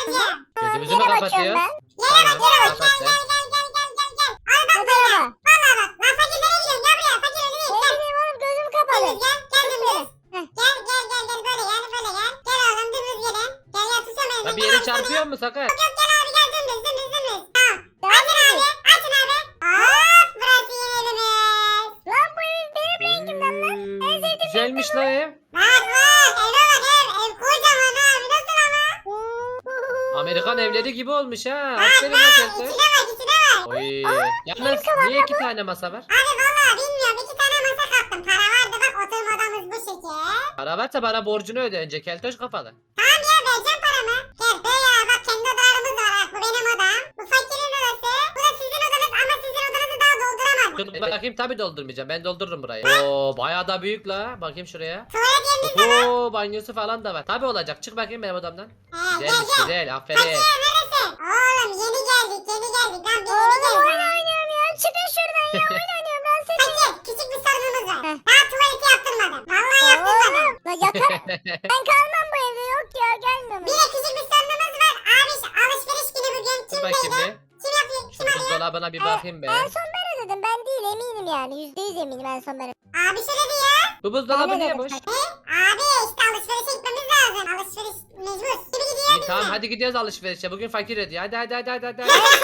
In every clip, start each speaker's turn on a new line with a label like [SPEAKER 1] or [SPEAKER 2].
[SPEAKER 1] babacığım.
[SPEAKER 2] Gözümüzü mü
[SPEAKER 3] Yere bakıyorum
[SPEAKER 2] kapatıyoruz?
[SPEAKER 3] ben.
[SPEAKER 2] Tamam kapat
[SPEAKER 1] Gel
[SPEAKER 2] sen.
[SPEAKER 1] gel. Al bak
[SPEAKER 3] Bu
[SPEAKER 1] böyle.
[SPEAKER 3] tarafa.
[SPEAKER 1] Valla bak. Lan fakir nereye gidiyorsun? Gel buraya. Fakir önüne git.
[SPEAKER 3] Ne
[SPEAKER 1] Gel.
[SPEAKER 3] bileyim oğlum gözüm kapalı.
[SPEAKER 1] Dümdüz gel. Gel dümdüz.
[SPEAKER 3] Heh.
[SPEAKER 1] Gel. Böyle gel. Böyle gel. Gel oğlum dümdüz gelin. Gel tutsana beni.
[SPEAKER 2] Ya bir yere çarpıyor mu Sakar?
[SPEAKER 1] Yok gel abi gel dümdüz. Tamam.
[SPEAKER 3] Devam
[SPEAKER 1] Açın
[SPEAKER 3] edin.
[SPEAKER 1] abi. Açın abi. Hop burası yeni evimiz.
[SPEAKER 3] Lan bu ev benim rengimden lan. En sevdiğim
[SPEAKER 2] Güzelmiş la ev.
[SPEAKER 1] Bak eve bak ev kocaman abi nasıl ama?
[SPEAKER 2] Amerikan evleri gibi olmuş ha.
[SPEAKER 1] Bak
[SPEAKER 2] Aferin la Keltoş.
[SPEAKER 1] içine bak.
[SPEAKER 2] Oy. Yalnız niye 2 tane masa var?
[SPEAKER 1] Abi valla bilmiyorum 2 tane masa kattım. Para vardı bak oturma odamız bu şekil.
[SPEAKER 2] Para varsa bana borcunu öde önce Keltoş kafalı.
[SPEAKER 1] Tamam ya vereceğim paramı. Gel böyle bak kendi odalarımız var bak bu benim odam. Bu fakirin odası. Bu da sizin odanız ama sizin odanızı daha dolduramadım.
[SPEAKER 2] Dur bakayım tabi doldurmayacağım. Ben doldururum burayı. Oo bayağı da büyük la. Bakayım şuraya.
[SPEAKER 1] Tuvalet yeriniz var.
[SPEAKER 2] Oo banyosu falan da var. Tabi olacak. Çık bakayım benim odamdan.
[SPEAKER 1] Gel
[SPEAKER 2] Güzelmiş
[SPEAKER 1] gel.
[SPEAKER 2] güzel. Aferin.
[SPEAKER 1] Fakir neresin? Oğlum yeni geldik lan bir yeni
[SPEAKER 3] Oğlum oyun
[SPEAKER 1] geldik.
[SPEAKER 3] oynuyorum ya. Çıkın şuradan ya. Oyun oynuyorum ben seni.
[SPEAKER 1] Fakir küçük bir sorunumuz var.
[SPEAKER 3] Heh.
[SPEAKER 1] Daha tuvaleti yaptırmadım. Vallahi yaptırmadım.
[SPEAKER 3] Oğlum. La yatar. Ben kalmam bu evde. Yok ya gelmiyorum.
[SPEAKER 1] Bir de küçük bir sorunumuz var. Abi alışveriş günü bugün
[SPEAKER 2] Dur
[SPEAKER 1] kim
[SPEAKER 2] bakayım
[SPEAKER 1] beyler?
[SPEAKER 2] bir.
[SPEAKER 1] Kim yapıyor?
[SPEAKER 2] Şu
[SPEAKER 1] Kim arıyor?
[SPEAKER 2] buzdolabına bir bakayım be.
[SPEAKER 3] En son ben ödedim. Ben değil eminim yani. %100 eminim en son ben ödedim.
[SPEAKER 1] Abi şöyle diyor.
[SPEAKER 2] Bu buzdolabı
[SPEAKER 3] Ben
[SPEAKER 2] niye
[SPEAKER 3] ödedim.
[SPEAKER 2] boş?
[SPEAKER 1] Abi işte alışverişe gitmemiz lazım. Alışveriş mecbur. Gibi gidiyor.
[SPEAKER 2] İyi tamam hadi gidiyoruz alışverişe. Bugün fakir ödüyor. Hadi.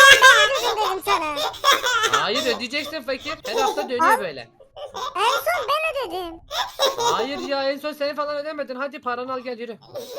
[SPEAKER 3] Ben ödedim sana.
[SPEAKER 2] Hayır ödeyeceksin fakir. Her hafta dönüyor böyle.
[SPEAKER 3] En son ben ödedim.
[SPEAKER 2] Hayır ya en son seni falan ödemedin. Hadi paranı al gel yürü.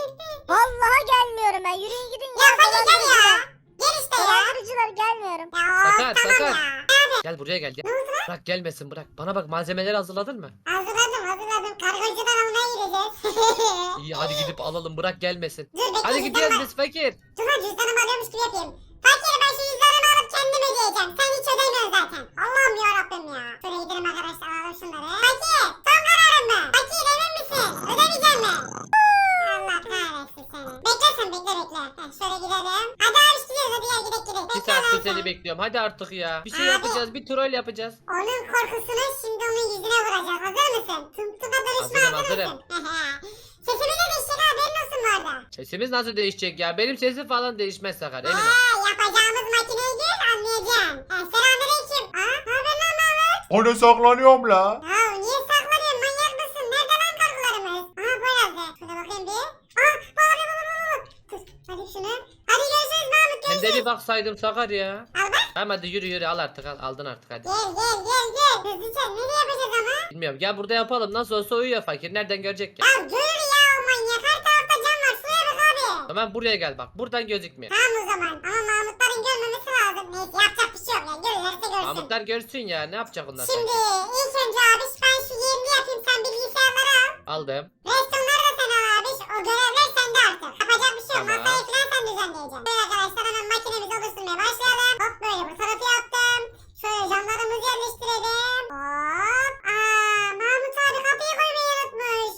[SPEAKER 3] Vallahi gelmiyorum ben. Yürüyün gidin ya.
[SPEAKER 1] Ya fakir gel ya. Gel işte ya.
[SPEAKER 3] Dolandırıcılar gelmiyorum.
[SPEAKER 1] Ya
[SPEAKER 2] Sakar,
[SPEAKER 1] tamam
[SPEAKER 2] Sakar.
[SPEAKER 1] ya.
[SPEAKER 2] Gel buraya gel. Bırak gelmesin bırak. Bana bak malzemeleri hazırladın mı?
[SPEAKER 1] Hazırladım. Kargocudan almaya gideceğiz.
[SPEAKER 2] İyi hadi gidip alalım bırak gelmesin.
[SPEAKER 1] Dur bekle.
[SPEAKER 2] Hadi gidiyoruz biz fakir.
[SPEAKER 1] Dur lan cüzdanımı alıyormuş gibi yapayım. Fakir ben şu cüzdanımı alıp kendim ödeyeceğim. Sen hiç ödemiyorsun zaten. Allah'ım yarabbim ya. Şöyle gidelim arkadaşlar alalım şunları. Fakir son kararın mı? Fakir emin misin? Ödemeyecek mi? Allah kahretsin seni. Bekle. Heh, şöyle gidelim. Hadi abi gidiyoruz hadi gel gidelim.
[SPEAKER 2] Bir saattir seni bekliyorum. Hadi artık ya. Bir şey
[SPEAKER 1] Abi.
[SPEAKER 2] yapacağız. Bir troll yapacağız.
[SPEAKER 1] Onun korkusunu şimdi onun yüzüne vuracağız. Hazır mısın? Tıma dönüşme
[SPEAKER 2] Hazırım.
[SPEAKER 1] mısın? Sesimiz de değişecek haberin olsun bu arada.
[SPEAKER 2] Sesimiz nasıl değişecek ya? Benim sesim falan değişmez Sakar emin ol.
[SPEAKER 1] Yapacağımız makineyi gör anlayacaksın. Selamünaleyküm. Ne haber lan Mahmut?
[SPEAKER 4] Hani saklanıyorum la.
[SPEAKER 1] Ya niye saklanıyorsun manyak mısın? Nerede lan kargolarımız? Bu yazdı. Şurada bakayım bir. Bu abi bu. Dur hadi şunu. Hadi görüşürüz Mahmut
[SPEAKER 2] Hem de
[SPEAKER 1] görüşürüz.
[SPEAKER 2] bir baksaydım Sakar ya.
[SPEAKER 1] Al bak.
[SPEAKER 2] Tamam hadi yürü al artık al. Aldın artık hadi.
[SPEAKER 1] Gel. Hızlıca nereye yapacağız ama?
[SPEAKER 2] Bilmiyorum gel burada yapalım. Nasıl olsa uyuyor fakir. Nereden görecek ya?
[SPEAKER 1] Ya görür ya o manyak. Her tarafta cam var. Şuraya bak abi.
[SPEAKER 2] Tamam buraya gel bak. Buradan gözükmüyor.
[SPEAKER 1] Tamam o zaman. Ama Mahmutların görmemesi lazım. Neyse yapacak bir şey yok ya. Görürlerse görsün.
[SPEAKER 2] Mahmutlar görsün ya. Ne yapacak onlar
[SPEAKER 1] Şimdi
[SPEAKER 2] sanki?
[SPEAKER 1] ilk önce abi ben şu yerini yapayım. Sen bilgisayarları al.
[SPEAKER 2] Aldım.
[SPEAKER 1] Restonları da sen al abi. O görevler sende artık. Yapacak bir şey yok.
[SPEAKER 2] Tamam.
[SPEAKER 1] Masayı falan sen düzenleyeceksin. Böyle arkadaşlar hemen makinemizi oluşturmaya başlayalım. Hop böyle bu tarafı yaptım. Şöyle camlarımızı yerleştirelim. Hop. Mahmut abi kapıyı koymayı unutmuş.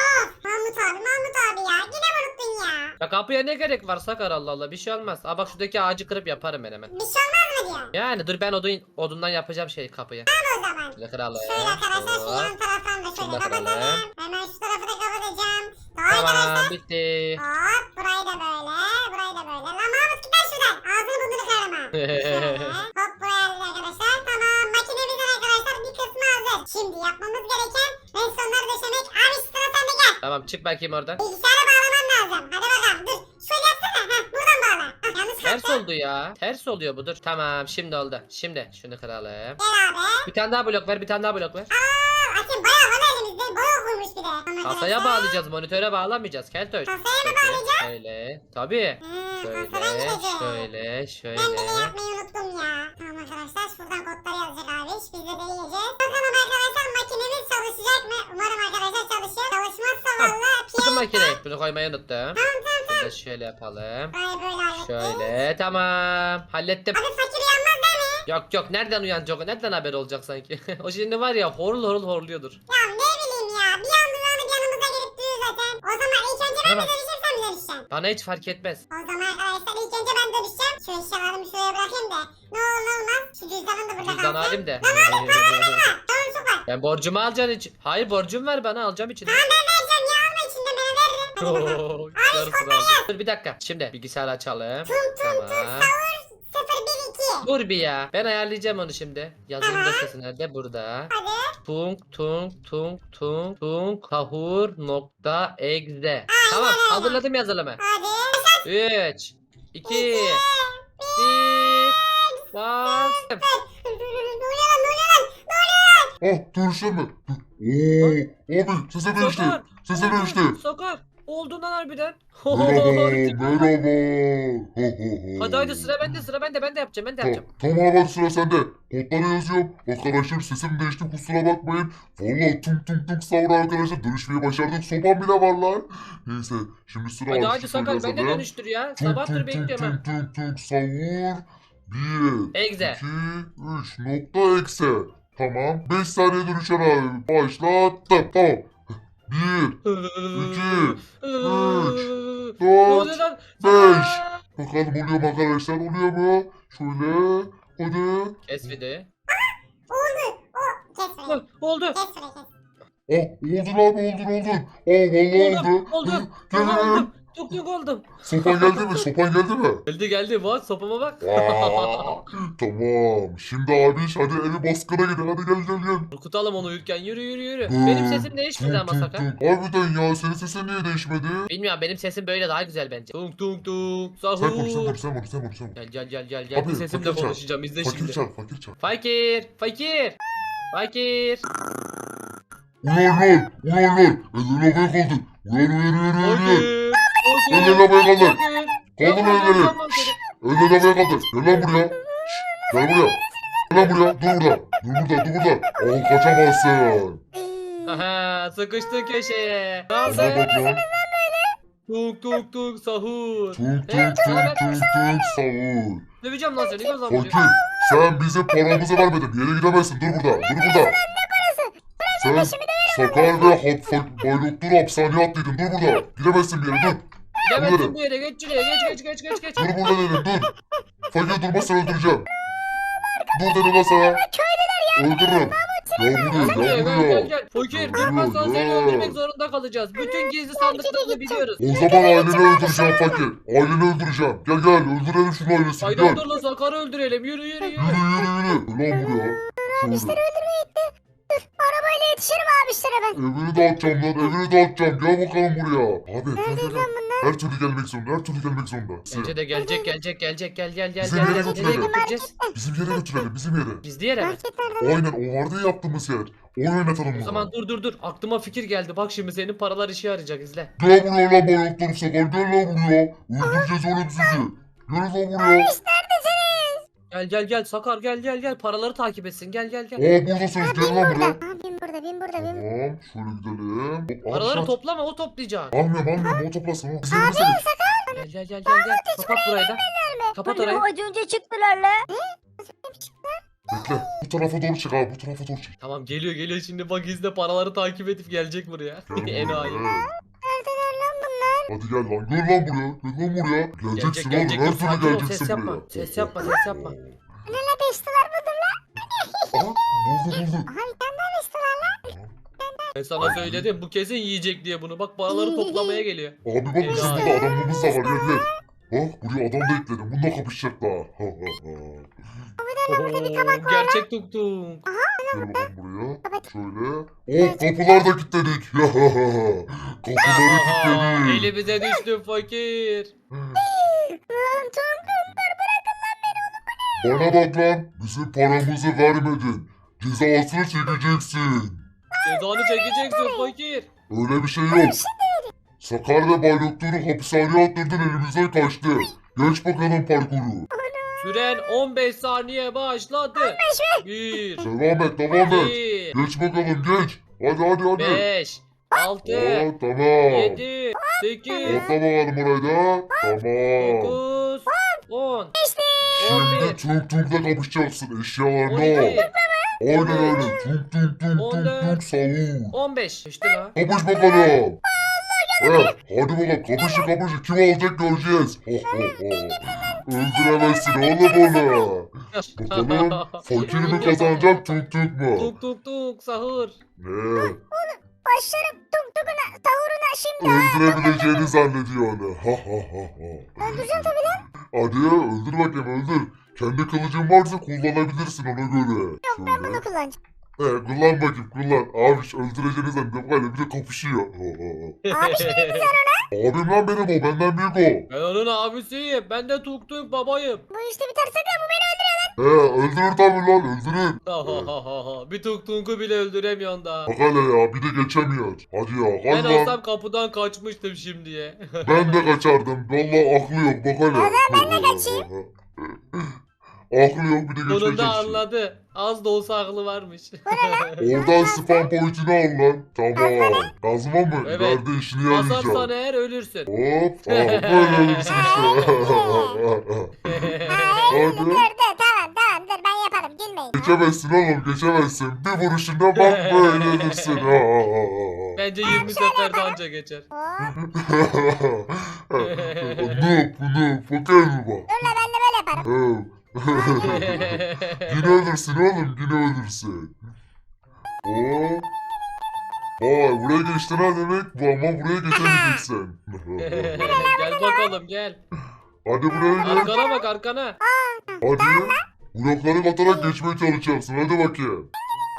[SPEAKER 1] Mahmut abi ya. Yine mi unuttun ya?
[SPEAKER 2] Ya kapıya ne gerek var Sakar Allah Allah. Bir şey olmaz. Aa bak şuradaki ağacı kırıp yaparım ben hemen.
[SPEAKER 1] Bir şey olmaz mı diyorsun?
[SPEAKER 2] Yani dur ben odundan yapacağım şey kapıyı.
[SPEAKER 1] Tamam o zaman.
[SPEAKER 2] Şöyle kıralım.
[SPEAKER 1] Şöyle arkadaşlar şu
[SPEAKER 2] Hop.
[SPEAKER 1] yan taraftan da
[SPEAKER 2] Şunu
[SPEAKER 1] şöyle
[SPEAKER 2] da kıralım.
[SPEAKER 1] kapatalım. Hemen şu tarafı da kapatacağım. Tamam
[SPEAKER 2] Tamam
[SPEAKER 1] arkadaşlar.
[SPEAKER 2] bitti.
[SPEAKER 1] Hop burayı da böyle. Lan Mahmut git lan şuradan. Ağzını burnunu kırarım ha. Hop buraya aldık arkadaşlar. Tamam makinemizin arkadaşlar bir kısmı hazır. Şimdi yapmamız gereken restonları döşemek. Abi şu sıra sende gel.
[SPEAKER 2] Tamam çık bakayım oradan.
[SPEAKER 1] Bilgisayara bağlaman lazım. Hadi bakalım dur. Şöyle yapsana. Buradan bağla. Yanlış
[SPEAKER 2] Ters
[SPEAKER 1] kalktı.
[SPEAKER 2] oldu ya. Ters oluyor bu dur. Tamam şimdi oldu. Şimdi şunu kıralım.
[SPEAKER 1] Gel abi.
[SPEAKER 2] Bir tane daha blok ver bir tane daha blok ver.
[SPEAKER 1] Açın bayağı var elimizde. Bayağı koymuş bir de. Tamam
[SPEAKER 2] Kasaya
[SPEAKER 1] arkadaşlar.
[SPEAKER 2] bağlayacağız monitöre bağlamayacağız Keltoş.
[SPEAKER 1] Kasaya mı
[SPEAKER 2] Şöyle,
[SPEAKER 1] bağlayacağız?
[SPEAKER 2] Şöyle. Tabii.
[SPEAKER 1] Kasadan
[SPEAKER 2] Şöyle
[SPEAKER 1] gideceğiz.
[SPEAKER 2] şöyle
[SPEAKER 1] Ben bile
[SPEAKER 2] şöyle.
[SPEAKER 1] yapmayı unuttum ya. Tamam arkadaşlar şuradan kodları yazacak abi. Biz de deneyeceğiz. Bakalım arkadaşlar makinemiz çalışacak mı? Umarım arkadaşlar çalışıyor. Çalışmazsa valla
[SPEAKER 2] Tutun
[SPEAKER 1] piyano.
[SPEAKER 2] makineyi. Bunu koymayı unuttum.
[SPEAKER 1] Tamam.
[SPEAKER 2] Bunu da şöyle yapalım.
[SPEAKER 1] Böyle hallettim.
[SPEAKER 2] Şöyle tamam. Hallettim.
[SPEAKER 1] Abi fakir uyanmaz değil mi?
[SPEAKER 2] Yok nereden uyanacak o? Nereden haber olacak sanki? O şimdi var ya horul horluyordur.
[SPEAKER 1] Ya ne bileyim ya. Bir anda uyanıp yanımıza gelip duruyor zaten. O zaman ilk önce ben mi
[SPEAKER 2] Tamam.
[SPEAKER 1] dönüşeyim sen mi dönüşeceksin?
[SPEAKER 2] Bana hiç fark etmez.
[SPEAKER 1] O zaman arkadaşlar ilk önce ben dönüşeceğim. Şu eşyalarımı şuraya bırakayım da. Ne olur ne olmaz. Şu cüzdanım da burada
[SPEAKER 2] Cüzdan
[SPEAKER 1] kalsın.
[SPEAKER 2] halim de.
[SPEAKER 1] Tamam çok var.
[SPEAKER 2] Ben borcumu alacaksın için. Hayır borcum ver bana alacağım için.
[SPEAKER 1] Tamam ben vereceğim ya alma içinde ben veririm.
[SPEAKER 2] Oo, yarısı kaldı. Dur bir dakika. Şimdi bilgisayarı açalım. Tamam.
[SPEAKER 1] Sahur 012.
[SPEAKER 2] Dur bir ya. Ben ayarlayacağım onu şimdi. Yazılım dosyası nerede? Burada.
[SPEAKER 1] Hadi.
[SPEAKER 2] Tung kahur nokta exe. Tamam hazırladım yazılımı.
[SPEAKER 1] Hadi.
[SPEAKER 2] 3 2 1 Bas.
[SPEAKER 1] Ne oluyor lan?
[SPEAKER 4] Ah dönüşler mi? Oo abi sese dönüştü.
[SPEAKER 2] Sakar.
[SPEAKER 4] Sese dönüştü.
[SPEAKER 2] Sakar. Oldu lan harbiden.
[SPEAKER 4] Merhaba.
[SPEAKER 2] Hadi sıra bende ben de yapacağım
[SPEAKER 4] Tamam hadi sıra sende. Kodları yazıyorum. Arkadaşlar sesim değişti kusura bakmayın. Valla tung sahur arkadaşlar dönüşmeyi başardık. Sopam bile var lan. Neyse şimdi sıra
[SPEAKER 2] Hadi
[SPEAKER 4] artık
[SPEAKER 2] Sakar ben de
[SPEAKER 4] yazalım.
[SPEAKER 2] dönüştür ya. Sabahtır bekliyorum ha.
[SPEAKER 4] Sahur. 1,
[SPEAKER 2] Exe.
[SPEAKER 4] 2, 3 nokta eksi. Tamam. 5 saniye dönüşen abi. Başlattım. Tamam. 1, 4,
[SPEAKER 2] Ne oluyor lan?
[SPEAKER 4] 5. Bakalım oluyor mu arkadaşlar? Oluyor mu? Şöyle. Hadi.
[SPEAKER 2] Kes videoyu.
[SPEAKER 1] Kes burayı.
[SPEAKER 2] Oldu.
[SPEAKER 1] Kes burayı kes.
[SPEAKER 4] Oh oldu lan oldu. Vallahi oldu.
[SPEAKER 2] Oldu.
[SPEAKER 4] Gel gel.
[SPEAKER 2] Oldum. Tuk oldum.
[SPEAKER 4] Sopan geldi mi? Sopan geldi mi?
[SPEAKER 2] Geldi. Bak sopama bak.
[SPEAKER 4] Aa, tamam. Şimdi abi hadi evi baskına gidin. Hadi gel.
[SPEAKER 2] Korkutalım onu uyurken. Yürü. Benim sesim değişmedi ama Sakar.
[SPEAKER 4] Harbiden ya senin sesin niye değişmedi?
[SPEAKER 2] Bilmiyorum benim sesim böyle daha güzel bence. Tung
[SPEAKER 4] Sen
[SPEAKER 2] sahur.
[SPEAKER 4] vur.
[SPEAKER 2] Gel.
[SPEAKER 4] Abi,
[SPEAKER 2] Bu sesimle
[SPEAKER 4] fakir çal.
[SPEAKER 2] konuşacağım izle
[SPEAKER 4] Fakir
[SPEAKER 2] şimdi.
[SPEAKER 4] çal.
[SPEAKER 2] Fakir.
[SPEAKER 4] Uyan. Elini havaya kaldır. Uyan. Elini havaya kaldır. Kaldır elleri. Elini havaya kaldır. Gel lan buraya. Gel buraya. Dur burada. Al kaçamazsın.
[SPEAKER 2] Aha sıkıştın köşeye. Ne
[SPEAKER 4] Buna
[SPEAKER 2] yaptın?
[SPEAKER 4] bak lan.
[SPEAKER 2] Tung sahur.
[SPEAKER 4] Tung sahur.
[SPEAKER 2] Döveceğim lan seni göz
[SPEAKER 4] Fakir sen bize paramızı vermedin. Bir yere gidemezsin. Dur burada. Sen Sakar ve Bayloktur hapishaneye attıydın. Dur burada. Gidemezsin bir yere dur.
[SPEAKER 2] Gidemezsin bir yere geç şuraya geç.
[SPEAKER 4] Dur burada dedim dur. Fakir durmazsan öldüreceğim. Dur dedim lan sana. Öldürürüm. Gel buraya.
[SPEAKER 2] Gel. Fakir durmazsan seni öldürmek zorunda kalacağız. Bütün gizli sandıklarını biliyoruz.
[SPEAKER 4] O zaman aileni öldüreceğim Fakir. Aileni öldüreceğim. Gel öldürelim şunu ailesini
[SPEAKER 2] Haydi
[SPEAKER 4] gel.
[SPEAKER 2] dur lan Sakar'ı öldürelim. Yürü.
[SPEAKER 4] Yürü. Ulan buraya. Şöyle.
[SPEAKER 3] Arabayla yetişirim abişlere ben.
[SPEAKER 4] Evini dağıtacağım. Gel bakalım buraya. Abi gel. Her türlü gelmek zorunda.
[SPEAKER 2] Bence de gelecek. Gel.
[SPEAKER 4] Bizim yere
[SPEAKER 2] Nereye
[SPEAKER 4] götürelim.
[SPEAKER 2] götüreceğiz?
[SPEAKER 4] Bizim yere götürelim.
[SPEAKER 2] Gizli yere mi?
[SPEAKER 3] Market nerede?
[SPEAKER 4] Aynen o vardı ya yaptığımız yer. Oyun oynatalım
[SPEAKER 2] O
[SPEAKER 4] bunu.
[SPEAKER 2] zaman dur. Aklıma fikir geldi. Bak şimdi senin paralar işe yarayacak izle.
[SPEAKER 4] Gel buraya lan bayraklarım sakar. Gel lan buraya. Öldüreceğiz oğlum sizi. Gel lan buraya.
[SPEAKER 2] Gel Sakar gel. Paraları takip etsin. Gel.
[SPEAKER 4] Buradasınız. Gel lan buraya.
[SPEAKER 3] Bin burada.
[SPEAKER 4] Tamam. Şöyle gidelim. Hop,
[SPEAKER 2] Paraları
[SPEAKER 4] aşağı-
[SPEAKER 2] toplama o toplayacak.
[SPEAKER 4] Almıyorum. O toplasın. O. Biz yerimize git.
[SPEAKER 2] Gel. Kapat burayı da. Kapat orayı.
[SPEAKER 3] Az önce çıktılar la.
[SPEAKER 4] Bekle. Bu tarafa doğru çık abi.
[SPEAKER 2] Tamam geliyor şimdi bak izle paraları takip edip gelecek buraya. Enayi.
[SPEAKER 3] Neredeler lan bunlar?
[SPEAKER 4] Hadi gel lan. Gel lan buraya. Geleceksin
[SPEAKER 2] Gelecek.
[SPEAKER 4] oğlum. Her
[SPEAKER 2] Dur,
[SPEAKER 4] türlü
[SPEAKER 2] sakin ol,
[SPEAKER 4] geleceksin
[SPEAKER 2] ses yapma.
[SPEAKER 4] buraya.
[SPEAKER 2] Ses yapma.
[SPEAKER 3] Neler beştiler budur la.
[SPEAKER 4] Aha buldu.
[SPEAKER 3] Aha bir tane daha beştiler la.
[SPEAKER 2] Ben sana söyledim bu kesin yiyecek diye bunu. Bak paraları toplamaya geliyor.
[SPEAKER 4] Abi bak bizim
[SPEAKER 2] Helal.
[SPEAKER 4] burada adamımız da var. Gel. Bak buraya adam da ekledim. Bununla kapışacaklar.
[SPEAKER 2] Oo, gerçek tung.
[SPEAKER 4] Gel bakalım buraya. Şöyle. Kapılar da kilitledik. Kapıları kilitledik.
[SPEAKER 2] Elimize düştü fakir.
[SPEAKER 3] Lan Tungunlar bırakın lan beni.
[SPEAKER 4] Bana bak lan. Bizim paramızı vermedin. Cezasını çekeceksin.
[SPEAKER 2] Cezanı çekeceksin fakir.
[SPEAKER 4] Öyle bir şey yok. Sakar ve Bayloktur'u hapishaneye attırdın elimizden kaçtı. Geç bakalım parkuru.
[SPEAKER 2] Süren 15 saniye başladı. 1
[SPEAKER 4] Devam et.
[SPEAKER 2] 2
[SPEAKER 4] Geç bakalım geç. Hadi.
[SPEAKER 2] 5 6
[SPEAKER 4] Tamam.
[SPEAKER 2] 7 8
[SPEAKER 4] Atla bakalım oraya da. Tamam.
[SPEAKER 2] 9 10
[SPEAKER 4] Şimdi Tung'la kapışacaksın eşyalarını
[SPEAKER 2] 12
[SPEAKER 4] al. Aynen öyle. Tung
[SPEAKER 2] 14.
[SPEAKER 4] savun.
[SPEAKER 2] 15 İşte lan.
[SPEAKER 4] Kapış bakalım. Evet, hadi bakalım kapışın. Kim alacak göreceğiz. Öldüremezsin oğlum onu. Bakalım fakir mi kazanacak Tung mu?
[SPEAKER 2] Tuk sahur.
[SPEAKER 4] Ne?
[SPEAKER 3] başlarım tung tunguna tavuruna şimdi.
[SPEAKER 4] Öldürebileceğini zannediyor onu. Ha ha ha ha.
[SPEAKER 3] Öldüreceğim tabii lan.
[SPEAKER 4] Hadi ya öldür bakayım öldür. Kendi kılıcın varsa kullanabilirsin ona göre.
[SPEAKER 3] Yok ben bunu kullanacağım.
[SPEAKER 4] Kullan bakayım kullan. Abi öldüreceğini zannediyor. Böyle bir de kapışıyor.
[SPEAKER 3] Abi şimdi
[SPEAKER 4] Abim lan benim o benden büyük o.
[SPEAKER 2] Ben onun abisiyim. Ben de Tuk Tuk babayım.
[SPEAKER 3] bu işte biter sakın bu beni öldürüyor.
[SPEAKER 4] Öldürür tabii lan öldürür.
[SPEAKER 2] Bir Tuk Tuk'u bile öldüremiyorsun da.
[SPEAKER 4] Bak hele ya bir de geçemiyor. Hadi ya
[SPEAKER 2] Ben
[SPEAKER 4] hadi lan.
[SPEAKER 2] olsam kapıdan kaçmıştım şimdiye.
[SPEAKER 4] Ben de kaçardım. Vallahi aklı yok bak hele.
[SPEAKER 3] O zaman ben de kaçayım.
[SPEAKER 4] Aklı yok bir de geçmeye
[SPEAKER 2] Sonunda
[SPEAKER 4] çalışıyor.
[SPEAKER 2] anladı. Az da olsa aklı varmış.
[SPEAKER 4] Oradan spam point'ini al lan. Tamam. Kazma mı?
[SPEAKER 2] Evet.
[SPEAKER 4] İleride işini
[SPEAKER 2] Basarsan
[SPEAKER 4] yarayacağım.
[SPEAKER 2] eğer ölürsün.
[SPEAKER 4] Hop. Tamam böyle ölürsün işte.
[SPEAKER 3] Hayır dur tamam dur ben yaparım gülmeyin.
[SPEAKER 4] Geçemezsin oğlum geçemezsin. Bir vuruşunda bak böyle ölürsün.
[SPEAKER 2] Bence 20 seferde anca geçer.
[SPEAKER 3] Hop.
[SPEAKER 4] Noob fakir mi bak?
[SPEAKER 3] Dur la ben de böyle yaparım.
[SPEAKER 4] Yine ölürsün oğlum yine ölürsün. Oo. Vay buraya geçtin ha demek bu ama buraya geçemeyeceksin.
[SPEAKER 2] Gel bakalım gel.
[SPEAKER 4] Hadi buraya gel.
[SPEAKER 2] Arkana bak arkana.
[SPEAKER 4] Hadi. Blokları katarak geçmeye çalışacaksın hadi bakayım.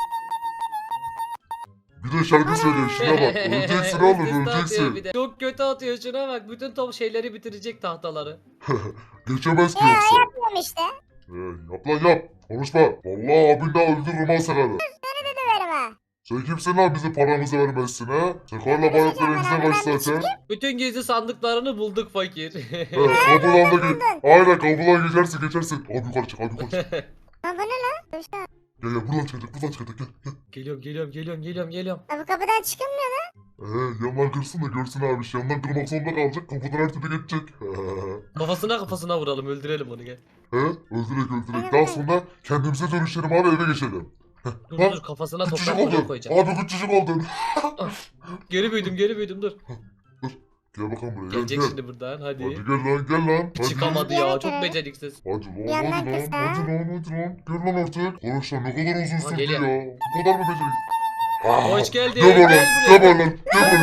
[SPEAKER 4] Bir de şarkı söylüyor şuna bak. Öleceksin oğlum
[SPEAKER 2] Üst üste atıyor
[SPEAKER 4] öleceksin.
[SPEAKER 2] bir de. Çok kötü atıyor şuna bak. Bütün top şeyleri bitirecek tahtaları.
[SPEAKER 4] Geçemez ki
[SPEAKER 3] Ya
[SPEAKER 4] yoksa.
[SPEAKER 3] yapıyorum işte.
[SPEAKER 4] Yap lan yap. Konuşma. Vallahi abin daha öldürürüm ha sakarı.
[SPEAKER 3] Seni de döverim ha.
[SPEAKER 4] Sen kimsin lan bize paramızı vermezsin ha? Sakarla bayraklar elimize kaç zaten.
[SPEAKER 2] Bütün gizli sandıklarını bulduk fakir.
[SPEAKER 4] Kapıdan da git. Aynen kapıdan geçersin. Abi yukarı çık abi yukarı çık.
[SPEAKER 3] Ha bu ne lan? Dur şu an.
[SPEAKER 4] Gel buradan çıkacak gel.
[SPEAKER 2] Geliyorum.
[SPEAKER 3] Ha, bu kapıdan çıkılmıyor lan.
[SPEAKER 4] Yandan kırsın da görsün abi. Yandan kırmak zorunda kalacak. Kapıdan her türlü geçecek.
[SPEAKER 2] Kafasına vuralım öldürelim onu gel.
[SPEAKER 4] Öldürek. Daha sonra kendimize dönüşelim abi eve geçelim.
[SPEAKER 2] Dur kafasına
[SPEAKER 4] Küçücük
[SPEAKER 2] toprak
[SPEAKER 4] oldun.
[SPEAKER 2] koyacağım.
[SPEAKER 4] Abi küçücük oldun.
[SPEAKER 2] Geri büyüdüm dur.
[SPEAKER 4] Gel bakalım buraya
[SPEAKER 2] Gelecek
[SPEAKER 4] gel.
[SPEAKER 2] şimdi buradan
[SPEAKER 4] Hadi
[SPEAKER 2] hadi.
[SPEAKER 4] gel lan. Hadi.
[SPEAKER 2] Çıkamadı ya çok beceriksiz.
[SPEAKER 4] Hadi lan
[SPEAKER 3] Yandan
[SPEAKER 4] hadi lan.
[SPEAKER 3] kısa.
[SPEAKER 4] Hadi lan. Gel lan artık. Arkadaşlar ne kadar uzun sürdü
[SPEAKER 2] geliyor.
[SPEAKER 4] ya. Bu kadar mı beceriksiz?
[SPEAKER 2] Hoş geldin.
[SPEAKER 4] Gel lan.
[SPEAKER 2] Gel
[SPEAKER 4] Gel
[SPEAKER 2] buraya.
[SPEAKER 4] lan.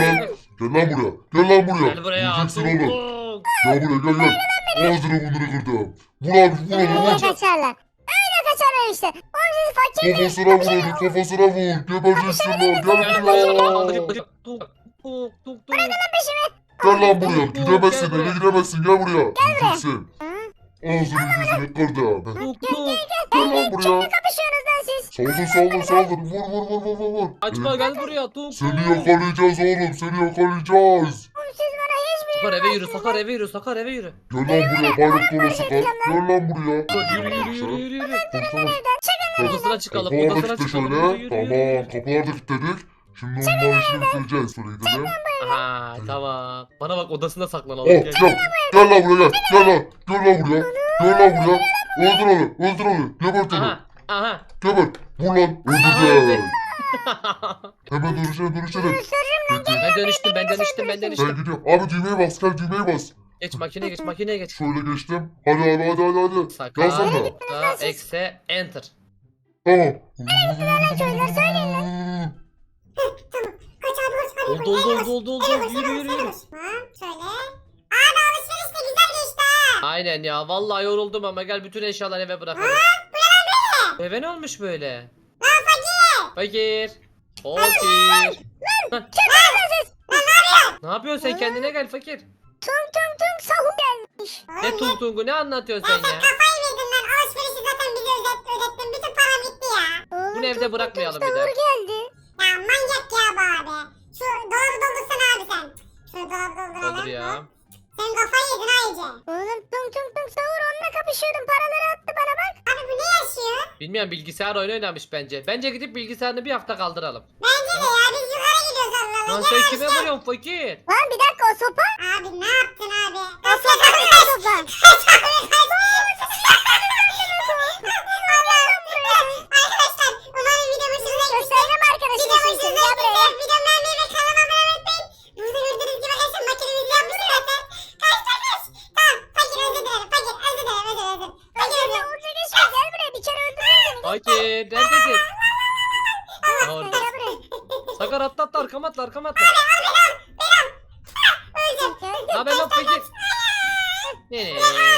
[SPEAKER 4] Gel lan buraya.
[SPEAKER 2] Gel buraya.
[SPEAKER 4] Öleceksin
[SPEAKER 2] Tuk
[SPEAKER 4] oğlum.
[SPEAKER 2] tuk.
[SPEAKER 4] Gel buraya gel. Ağzını burnunu kırdım. Vur abi vur
[SPEAKER 3] Öyle
[SPEAKER 4] vur.
[SPEAKER 3] kaçarlar. Öyle kaçarlar işte. Oğlum siz fakir miyiz?
[SPEAKER 4] Kafasına vur. Gebereceksin lan. Gel
[SPEAKER 2] Gel
[SPEAKER 4] buraya.
[SPEAKER 2] buraya. Tuk.
[SPEAKER 4] Gel lan buraya. Gidemezsin eve gidemezsin. Gel buraya. Gideceksin. Ağzını yüzünü kırdım.
[SPEAKER 2] Tuk.
[SPEAKER 4] Gel lan buraya.
[SPEAKER 3] Kapışıyorsunuz lan siz.
[SPEAKER 4] Saldır. Vur.
[SPEAKER 2] Açma gel buraya. Tuk.
[SPEAKER 4] Seni yakalayacağız oğlum. Seni yakalayacağız.
[SPEAKER 3] Oğlum siz bana hiçbir
[SPEAKER 2] Sakar eve yürü. Sakar eve yürü.
[SPEAKER 4] Gel lan buraya. Bayrak dolu sıkar. Gel lan buraya.
[SPEAKER 2] Yürü.
[SPEAKER 4] Koşsana.
[SPEAKER 2] Odasına çıkalım.
[SPEAKER 4] Kapılar da
[SPEAKER 2] Odasına
[SPEAKER 4] kilitli
[SPEAKER 2] çıkalım.
[SPEAKER 4] şöyle.
[SPEAKER 2] Yürü.
[SPEAKER 4] Tamam. Kapılar da kilitledik. Şimdi onların işini bitireceğiz. Şöyle gidelim.
[SPEAKER 2] Aha tamam. Bana bak odasına saklanalım.
[SPEAKER 4] Oh
[SPEAKER 2] Gel.
[SPEAKER 4] gel lan buraya gel lan buraya öldür onu gebert onu
[SPEAKER 2] Aha.
[SPEAKER 4] gebert vur lan öldürdü hemen dönüşelim
[SPEAKER 2] Ben dönüştüm.
[SPEAKER 4] ben gidiyorum abi düğmeye bas gel düğmeye bas
[SPEAKER 2] Geç makineye geç.
[SPEAKER 4] şöyle geçtim hadi abi
[SPEAKER 2] Sakar.
[SPEAKER 4] yazsana
[SPEAKER 2] Eksi enter.
[SPEAKER 4] tamam
[SPEAKER 1] Kaç abi kaç.
[SPEAKER 2] Oldu. Yürü.
[SPEAKER 1] Tamam şöyle. Abi alışveriş de güzel geçti ha.
[SPEAKER 2] Aynen ya. Vallahi yoruldum ama gel bütün eşyaları eve bırakalım. Eve ne olmuş böyle? Fakir. Ne yapıyorsun sen kendine gel fakir.
[SPEAKER 3] tung sahur gelmiş.
[SPEAKER 2] Ne tungu ne anlatıyorsun sen ya?
[SPEAKER 1] Kafayı yedin lan. Alışverişi zaten bize ödettin. Bütün param gitti ya.
[SPEAKER 3] Oğlum,
[SPEAKER 2] Bunu evde
[SPEAKER 3] tung
[SPEAKER 2] bırakmayalım
[SPEAKER 3] tung
[SPEAKER 2] bir daha.
[SPEAKER 3] sahur geldi.
[SPEAKER 1] Ya manyak ya bu abi. Şu dolabı doldursana abi sen. Şu dolabı dolduralım.
[SPEAKER 2] Olur ya.
[SPEAKER 1] Sen kafayı yedin ha iyice.
[SPEAKER 3] Oğlum tung sahur onunla kapışıyordum. Paraları attı bana bak.
[SPEAKER 1] Abi bu ne yaşıyor?
[SPEAKER 2] Bilmiyorum bilgisayar oyunu oynamış bence. Bence gidip bilgisayarını bir hafta kaldıralım.
[SPEAKER 1] Bence de ya biz yukarı gidiyoruz Allah
[SPEAKER 2] Lan
[SPEAKER 1] Allah.
[SPEAKER 2] sen kime vuruyorsun fakir?
[SPEAKER 3] Lan bir dakika o sopa.
[SPEAKER 1] Abi ne yaptın abi?
[SPEAKER 3] O sopa ne o sopa?
[SPEAKER 1] Arkadaşlar umarım video hoşunuza gitmiştir.
[SPEAKER 3] Göstereceğim arkadaşlar
[SPEAKER 1] Video
[SPEAKER 3] şimdi.
[SPEAKER 1] hoşunuza
[SPEAKER 3] Gel buraya.
[SPEAKER 1] gitmiştir. Video beğenmeyi ve kanalıma abone olmayı unutmayın. Burada gördüğünüz gibi arkadaşlar makinemizi yapmışız zaten. Kaç. Tamam. Fakir özür dilerim. Fakir özür dilerim. Fakir özür dilerim.
[SPEAKER 3] Uğurca geçme gel buraya. Bir kere öldürürüm seni.
[SPEAKER 2] Fakir neredesin?
[SPEAKER 3] Allah
[SPEAKER 2] Orada.
[SPEAKER 3] gel buraya.
[SPEAKER 2] Sakar atla atla arkama atla arkama atla.
[SPEAKER 1] Öldüm.
[SPEAKER 2] Ne haber lan fakir? Ne?